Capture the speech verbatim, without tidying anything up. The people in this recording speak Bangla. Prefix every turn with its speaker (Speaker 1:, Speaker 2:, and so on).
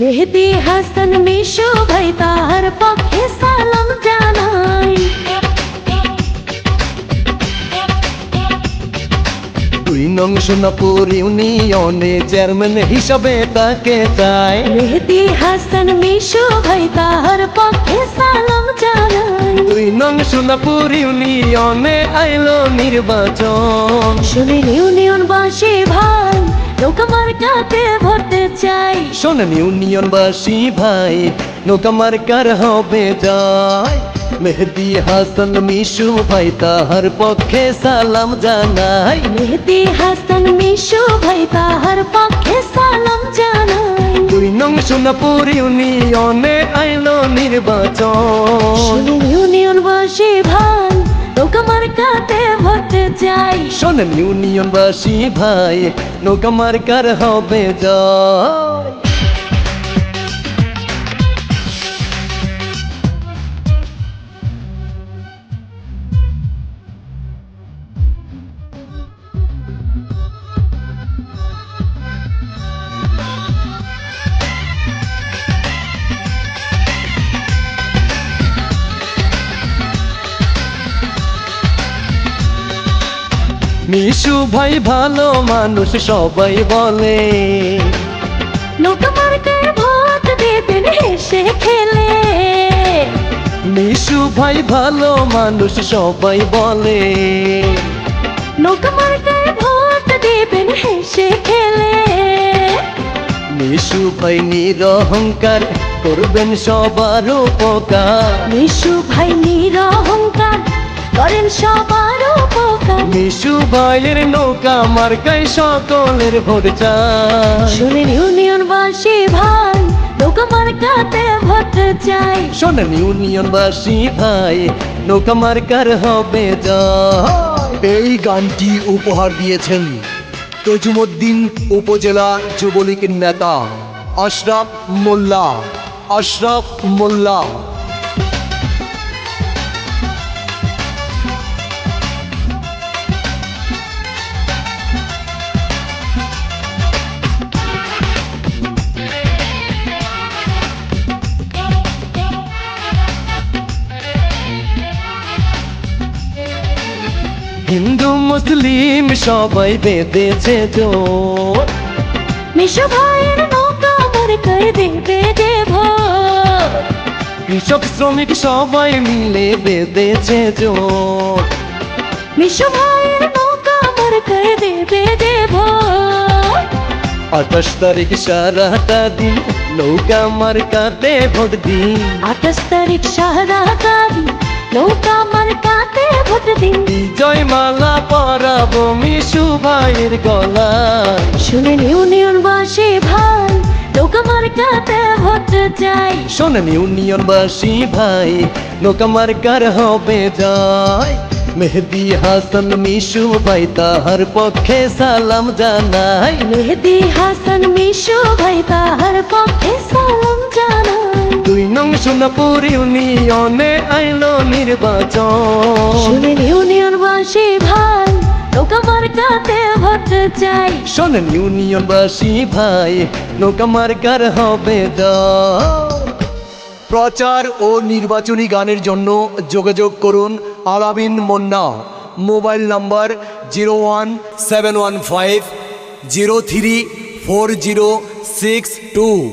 Speaker 1: মেহেদি হাসান মিশু ভাই তার পক্ষে সালাম জানাই।
Speaker 2: দুই নং সোনাপুর ইউনিয়নে চেয়ারম্যান হিসাবে তাকে চাই।
Speaker 1: মেহেদি হাসান মিশু ভাই তার পক্ষে সালাম জানাই।
Speaker 2: দুই নং সোনাপুর ইউনিয়নে আইলো নির্বাচন।
Speaker 1: শোনেন ইউনিয়নবাসী ভাই নৌকা মার্কাতে ভোট চাই।
Speaker 2: শোনেন ইউনিয়নবাসী ভাই নৌকা মার্কার হবে জয়। মেহেদি হাসান মিশু ভাই তাহার পক্ষে সালাম জানাই।
Speaker 1: মেহেদি হাসান মিশু ভাই তাহার পক্ষে সালাম জানাই।
Speaker 2: দুই নং সোনাপুর ইউনিয়নে আইলো নির্বাচন।
Speaker 1: শোনেন ইউনিয়নবাসী ভাই নৌকা মার্কাতে ভোট চাই।
Speaker 2: শোনেন ইউনিয়নবাসী ভাই নৌকা মার্কার হবে জয়। মিশু ভাই ভালো মানুষ সবাই বলে।
Speaker 1: নৌকা মার্কায় ভোট দেবেন হেসে খেলে।
Speaker 2: মিশু ভাই ভালো মানুষ সবাই বলে।
Speaker 1: নৌকা মার্কায় ভোট দেবেন হেসে খেলে।
Speaker 2: মিশু ভাই নিরহংকার করবেন সবার উপকার।
Speaker 1: মিশু ভাই নিরহংকার করেন সবার উপকার।
Speaker 2: মিশু ভাইয়ের নৌকা মার্কায় সকলের ভোট চাই।
Speaker 1: শোনেন ইউনিয়নবাসী ভাই নৌকা মার্কাতে ভোট চাই।
Speaker 2: শোনেন ইউনিয়নবাসী ভাই নৌকা মার্কার হবে জয়।
Speaker 3: এই গানটি উপহার দিয়েছেন তজুমুদ্দিন উপজেলা যুবলীগের নেতা আশরাফ মোল্লা। আশরাফ মোল্লা।
Speaker 2: হিন্দু মুসলিম সবাই বেঁধেছে জোট।
Speaker 1: মিশু ভাইয়ের নৌকা মার্কায় দেবে যে ভোট।
Speaker 2: কৃষক শ্রমিক সবাই মিলে বেঁধেছে জোট।
Speaker 1: মিশু ভাইয়ের নৌকা মার্কায় দেবে যে ভোট।
Speaker 2: আঠাশ তারিখ সারাটা দিন নৌকা মার্কাতে ভোট দিন।
Speaker 1: আঠাশ তারিখ সারাটা দিন নৌকা মার্কাতে ভোট দিন।
Speaker 2: বিজয় মালা পরাবো মিশু ভাইয়ের গলায়।
Speaker 1: শুনেন ইউনিয়নবাসী ভাই নৌকা মার্কাতে ভোট চাই।
Speaker 2: শোনেন ইউনিয়নবাসী ভাই নৌকা মার্কার হবে জয়। মেহেদি হাসান মিশু ভাই তাহার পক্ষে সালাম জানাই।
Speaker 1: মেহেদি হাসান মিশু ভাই তাহার পক্ষে সালাম জানাই।
Speaker 2: দুই নং সোনাপুর ইউনিয়নে আইলো নির্বাচন।
Speaker 1: শুনেন ইউনিয়নবাসী ভাই নৌকা মার্কাতে ভোট চাই।
Speaker 2: শোনেন ইউনিয়নবাসী ভাই নৌকা মার্কার হবে জয়।
Speaker 3: প্রচার ও নির্বাচনী গানের জন্য যোগাযোগ করুন Alamin Munna. Mobile number zero one seven one five zero three four zero six two.